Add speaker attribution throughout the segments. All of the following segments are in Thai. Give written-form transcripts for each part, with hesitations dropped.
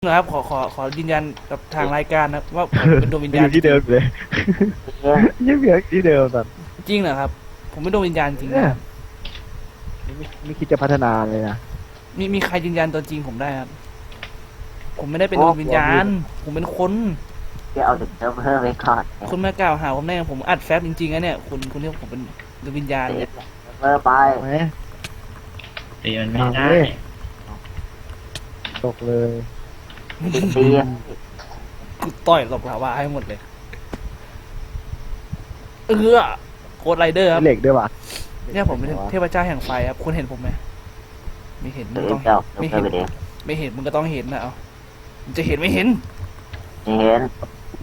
Speaker 1: นะครับขอยืนยันกับทางรายการนะว่าผมเป็นดวงวิญญาณ
Speaker 2: อยู่ที่เดิมเลยยังเหลือที่เดิมแบบ
Speaker 1: จริงเหรอครับผมเป็นดวงวิญญาณจริงนะครับ
Speaker 2: ไม่คิดจะพัฒนาเลยนะ
Speaker 1: มีใครยืนยันตัวจริงผมได้ครับผมไม่ได้เป็นดวงวิญญาณผมเป็นคน
Speaker 3: ที่เอาจากเซิร์ฟเวอร์ไว้ก่อน
Speaker 1: คุณมากล่าวหาผมได้ไงผมอัดแฟบจริงๆนะเนี่ยคุณเรียกผมเป็นดวงวิญญาณ
Speaker 3: เซ
Speaker 1: เนี่ย
Speaker 3: ฟเซิร์ฟเวอร์ไป
Speaker 2: ไหม
Speaker 4: ตีมันไม่ได้
Speaker 2: ตกเลย
Speaker 3: ตี
Speaker 1: กูต่อยหลบลาวาให้หมดเลยโคดไรเดอร์ครับ
Speaker 2: เหล็กด้วยว่ะ
Speaker 1: เนี่ยผมเป็นเทพเจ้าแห่งไฟครับคุณเห็นผมไหมไม่เห็นมึ
Speaker 3: เดี๋
Speaker 1: ง
Speaker 3: ยว
Speaker 1: ต้อง
Speaker 3: เจ้าเซิ
Speaker 1: ไม่
Speaker 3: ร์ฟเว
Speaker 1: เห็
Speaker 3: อน ร์ไปเดี๋ยว
Speaker 1: ไม่เห็นมึงก็ต้องเห็นนะเอามึงจะเห็นไม่เห็น
Speaker 3: ไม่เห็น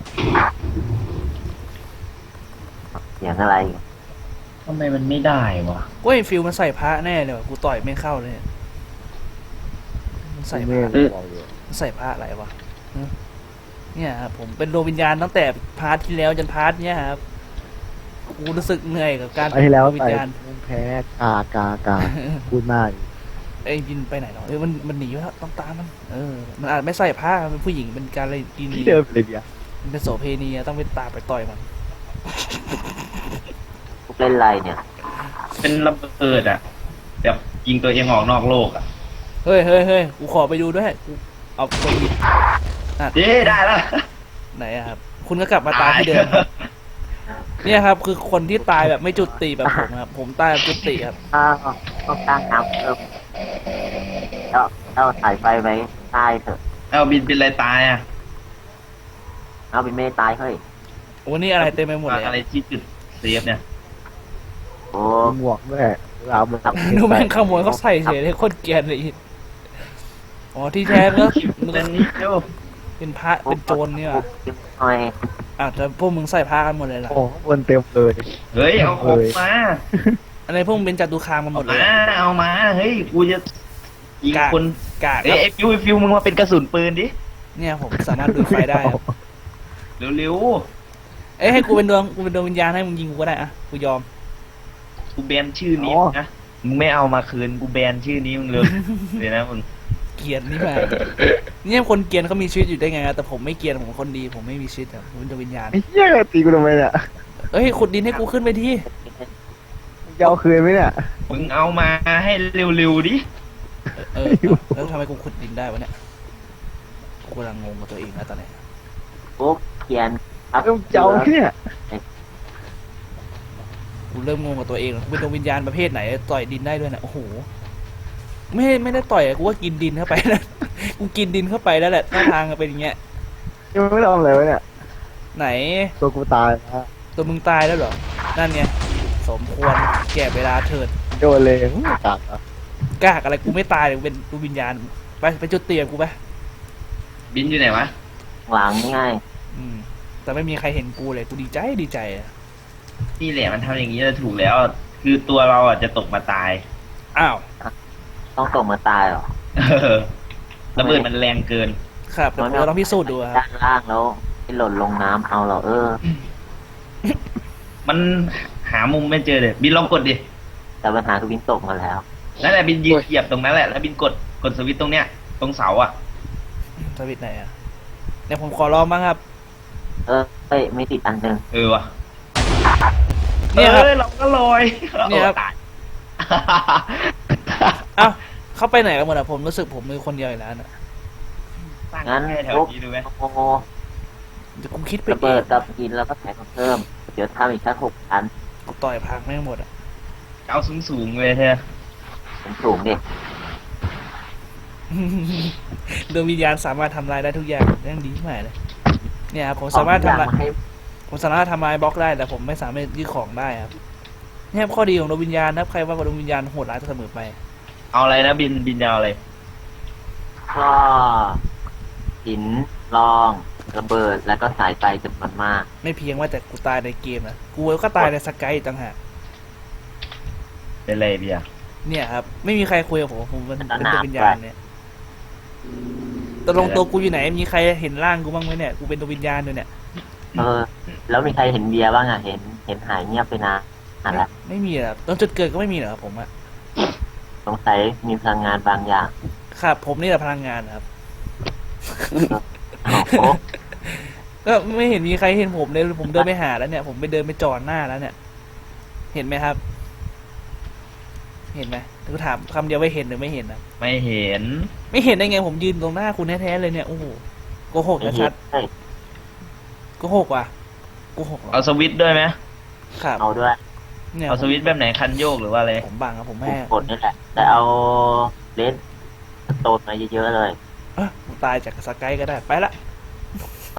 Speaker 3: เสียงอะไร
Speaker 4: ทำไมมันไม่ได้วะ
Speaker 1: เว้ยฟิลมันใส่พระแน่เลยว่ะกูต่อยไม่เข้าเลยเนี่ยมันใส่พ
Speaker 2: ไม่
Speaker 1: ระ
Speaker 2: บอกอยู่
Speaker 1: มันใส่พระอะไรวะฮะเนี่ยครับผมเป็นดวงวิญญาณตั้งแต่พาร์ทที่แล้วจนพาร์ทเนี้ยครับกูรู้สึกเหนื่อยกับการ
Speaker 2: ไอ้ที่แล้ว
Speaker 1: ดวงวิ
Speaker 2: ใส่
Speaker 1: ญญาณ
Speaker 2: มุ้งแพ้กาพูดมาก
Speaker 1: ไอ้บินไปไหนเนาะมันหนีแล้วต้องตามมันมันอาจไม่ใส่ผ้ามันเป็นผู้หญิงเป็นการอะไรดี
Speaker 2: ที่เดิมเลยเดียว
Speaker 1: มันเป็นโสเพณีอะต้องไปตามไปต่อยมัน
Speaker 3: พวกเล่นอะไรเนี่ย
Speaker 4: เป็นระเบิดอ่ะแบบยิงตัวเองออกนอกโลกอ่ะ
Speaker 1: เฮ้ยกูขอไปดูด้วยกูเอาตัวอีก
Speaker 4: เย้ได้แล้ว
Speaker 1: ไหนอะครับคุณก็กลับมาตายที่เดิมครับเนี่ยครับคือคนที่ตายแบบไม่จุติแบบผมครับผมตายแบบจุติครับ
Speaker 3: ถ้าต้องตั้งน้ำเพิ่มเจ้าสายไฟไว้ใต้เถอะ
Speaker 4: เอาบินเป็นอะไรตายอ่ะ
Speaker 3: เอาเป็นเมตายเฮ้ย
Speaker 1: โอ้นี่อะไรเต็มไปหมดเลย
Speaker 4: อะไรที่จุดเซฟเนี่ย
Speaker 3: โอ้
Speaker 2: หมวกด้วยเราหมวก
Speaker 1: ดูแม่งขโมยเขาใส่เฉยเลยโคตรเกรียนเลยอีกอ๋อที่แท้ก็มึง
Speaker 4: เป็นนี่เดียว
Speaker 1: เป็นพระเป็นโจรเนี่ย
Speaker 3: หน่อย
Speaker 1: แต่พวกมึงใส่ผ้ากันหมดเลยล่ะ
Speaker 2: โอ้ข้างบนเต็มเลย
Speaker 4: เฮ้ยเอาของมา
Speaker 1: อะไรพวกมึงเป็นจัตุคามกันหมดเลย
Speaker 4: เอามาเฮ้ยกูจะยิงคน
Speaker 1: กากค
Speaker 4: เอ้
Speaker 1: รับ
Speaker 4: ยไอ้ฟิวมึงมาเป็นกระสุนปืนดิ
Speaker 1: เนี่ยผมสามารถดูดไฟได้ครับ
Speaker 4: เร็ว
Speaker 1: เอ้ยให้กูเป็นดวงวิญญาณให้มึงยิงกูก็ได้อะกูยอม
Speaker 4: ๆกูแบนชื่อนี้นะมึงไม่เอามาคืนกูแบนชื่อนี้มึงเลยเดี๋ยวนะมึง
Speaker 1: เกรียนนี่มาเนี่ยคนเกรียนเขามีชีวิตอยู่ได้ไงอะแต่ผมไม่เกรียนผมคนดีผมไม่มีชีวิตอะผมเป็นดวงวิญญาณ
Speaker 2: ไอ้เหี้ยตีกูทำไมเนี่ย
Speaker 1: เอ้ยขุดดินให้กูขึ้นไปที
Speaker 2: จะเอาคืนไหมเนี่ย
Speaker 4: มึงเอามาให้เร็วๆดิ
Speaker 1: แล้วทำไมกูขุดดินได้วะเนี่ยกูกำลังงงกับตัวเองนะตอนนี้
Speaker 3: ปุ๊บเขียนครับ
Speaker 2: จะเอาเนี่ย
Speaker 1: กูเริ่มงงกับตัวเองแล้วกูเป็นดวงวิญญาณประเภทไหนต่อยดินได้ด้วยนะโอ้โหไม่ได้ต่อยอะกูว่ากินดินเข้าไปนะ กูกินดินเข้าไปแล้วแหละท่าทางมันเป็นอย่างเงี้ย
Speaker 2: ยังไม่ทำอะไรวะเนี่ย
Speaker 1: ไหน
Speaker 2: ตัวกูตายนะ
Speaker 1: ตัวมึงตายแล้วเหรอนั่นไงสมควรแก่เวลาเถิด
Speaker 2: โดนเลยกากอ่ะ
Speaker 1: กากอะไรกูไม่ตายเลยกูเป็นดวงวิญญาณไปจุดเตียงกูไป
Speaker 4: บินอยู่ไหนวะ
Speaker 3: หลังง่าย
Speaker 1: แต่ไม่มีใครเห็นกูเลยกูดีใจอะ
Speaker 4: นี่แหละมันทำอย่างนี้จะถูกแล้ว คือตัวเราอ่ะจะตกมาตาย
Speaker 1: อ้าว
Speaker 3: ต้องตกมาตายเหรอ
Speaker 4: ระเบิดมันแรงเกิน
Speaker 1: ครับแต่เราต้องพิสูจน์ดูค
Speaker 3: ด้า
Speaker 1: รับ
Speaker 3: นล่างแล้วให้หล่นลงน้ำเอาเหรอ
Speaker 4: มันหามุมไม่เจอเลยบินลองกดดิ
Speaker 3: แต่ปัญหาคือวินตกมาแล้ว
Speaker 4: นั่นแหละบินยืนเหยียบตรงนั้นแหละแล้วบินกดสวิตช์ตรงเนี้ยตรงเสาอ่ะ
Speaker 1: สวิตช์ไหนอะเนี่ยผมขอลองบ้างครับ
Speaker 3: เอ้ยไม่ติดอันหนึ่ง
Speaker 4: ว่ะ
Speaker 1: เนี่ยครับ
Speaker 4: เราก็ลอย
Speaker 1: เนี่ยครับ
Speaker 4: โอ้ตาย
Speaker 1: เอ้าเข้าไปไหนกันหมดอะผมรู้สึกผมมือคนเดียวอีกแล้วนะ
Speaker 4: สร้าง
Speaker 3: งั้น
Speaker 4: แค่แถว
Speaker 3: ปุ๊บ
Speaker 4: นี้ดูไหม
Speaker 3: โอ้โห
Speaker 1: เดี๋ยวกูคิดไป
Speaker 3: ระ
Speaker 1: เอ
Speaker 3: เบิด
Speaker 1: ง
Speaker 3: กับกินแล้วก็แถมเพิ่ม เดี๋ยวทำอีกสัก6 อัน
Speaker 1: กูต่อยพังไม่งหมดอะ
Speaker 4: เอาสูงเลยเธอ
Speaker 3: ผมสูงดิ
Speaker 1: ดวงวิญญาณสามารถทำลายได้ทุกอย่างเรื่องดีมากเลยเนี่ยครับผมสามารถทำลาย
Speaker 3: ให้
Speaker 1: ผมสามารถทำลายบล็อกได้แต่ผมไม่สามารถยึดของได้ครับเนี่ยครับข้อดีของดวงวิญญาณนะครับใครว่าดวงวิญญาณโหดร้ายเสมอไป
Speaker 4: เอาอะไรนะบินยาวอะไร
Speaker 3: ก็หินรองระเบิดแล้วก็สายไฟจำนวนมาก
Speaker 1: ไม่เพียงว่าแต่กูตายในเกมนะกูก็ตายในสกายอีกต่างหาก
Speaker 4: เป็นไรเบียร์
Speaker 1: เนี่ยครับไม่มีใครคุยกับผมเป็นดวงวิญญาณเนี่ยตกลงตัวกูอยู่ไหนมีใครเห็นร่างกูบ้างไหมเนี่ยกูเป็นดวงวิญญาณด้วยเนี่ย
Speaker 3: แล้วมีใครเห็นเบียร์บ้างอ่ะเห็นหายเงียบไปนานละ
Speaker 1: ไม่มีอะตอนจุดเกิดก็ไม่มีเหรอครับผมอะ
Speaker 3: สงสัยมีพลังงานบางอย่าง
Speaker 1: ครับผมนี่แหละพลังงานครับ
Speaker 3: โอ้
Speaker 1: ก็ไม่เห็นมีใครเห็นผมเลยผมเดินไปหาแล้วเนี่ย ผมไปเดินไปจอดหน้าแล้วเนี่ย เห็นไหมครับ เห็นไหมกูถามคำเดียวว่าเห็นหรือไม่เห็นนะ
Speaker 4: ไม่เห็น
Speaker 1: ไม่เห็นได้ไงผมยืนตรงหน้าคุณแท้ๆเลยเนี่ยโอ้โหโกหก
Speaker 3: ไม่
Speaker 1: ชั
Speaker 3: เห็
Speaker 1: ด
Speaker 3: นเฮ้ย
Speaker 1: ๆโกหกว่ะโกหกเหรอ
Speaker 4: เอาสวิตช์ด้วยไหม
Speaker 1: ครับ
Speaker 3: เอาด้วย
Speaker 1: เนี่ย
Speaker 4: เอาสวิตช์แบบไหนคันโยกหรือว่าอะไร
Speaker 1: ผมบังครับผม
Speaker 3: กู
Speaker 1: แม่
Speaker 3: กดนี่แหละ แต่เอาเลนส์โตนมาเยอะๆเลย
Speaker 1: เอ้อผมตายจากสกายก็ได้ไปละ